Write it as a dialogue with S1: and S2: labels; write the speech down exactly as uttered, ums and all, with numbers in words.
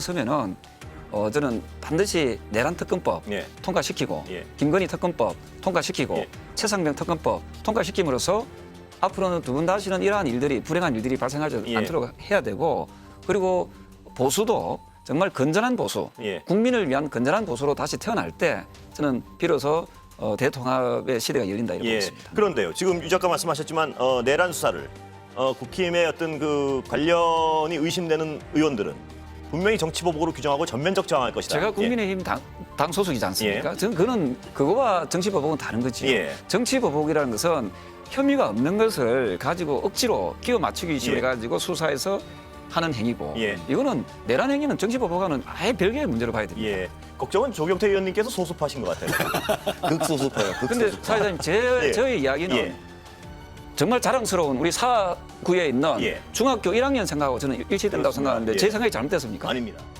S1: 서면은 어, 저는 반드시 내란 특검법
S2: 예.
S1: 통과시키고
S2: 예.
S1: 김건희 특검법 통과시키고
S2: 예.
S1: 최상병 특검법 통과시킴으로써 앞으로는 두 분 다시는 이러한 일들이 불행한 일들이 발생하지
S2: 예.
S1: 않도록 해야 되고 그리고 보수도 정말 건전한 보수,
S2: 예.
S1: 국민을 위한 건전한 보수로 다시 태어날 때 저는 비로소 어, 대통합의 시대가 열린다 이렇게
S2: 예.
S1: 보고 있습니다.
S2: 그런데요. 지금 유 작가 말씀하셨지만 어, 내란 수사를 어, 국힘의 어떤 그 관련이 의심되는 의원들은 분명히 정치보복으로 규정하고 전면적 저항할 것이다.
S1: 제가 국민의힘 당, 당 소속이지 않습니까?
S2: 예.
S1: 저는 그거는 그거와 정치보복은 다른 거죠.
S2: 예.
S1: 정치보복이라는 것은 혐의가 없는 것을 가지고 억지로 끼워 맞추기 위해
S2: 예.
S1: 가지고 수사해서 하는 행위고
S2: 예.
S1: 이거는 내란 행위는 정치보복과는 아예 별개의 문제로 봐야 됩니다.
S2: 예. 걱정은 조경태 의원님께서 소수파신 것 같아요.
S3: 극소수파요.
S1: 근데
S3: 극소수파.
S1: 사회자님 제
S2: 예.
S1: 저의 이야기는
S2: 예.
S1: 정말 자랑스러운 우리 사구에 있는
S2: 예.
S1: 중학교 일 학년 생각하고 저는 일치된다고
S2: 그렇습니다.
S1: 생각하는데
S2: 예.
S1: 제 생각이 잘못됐습니까?
S2: 아닙니다.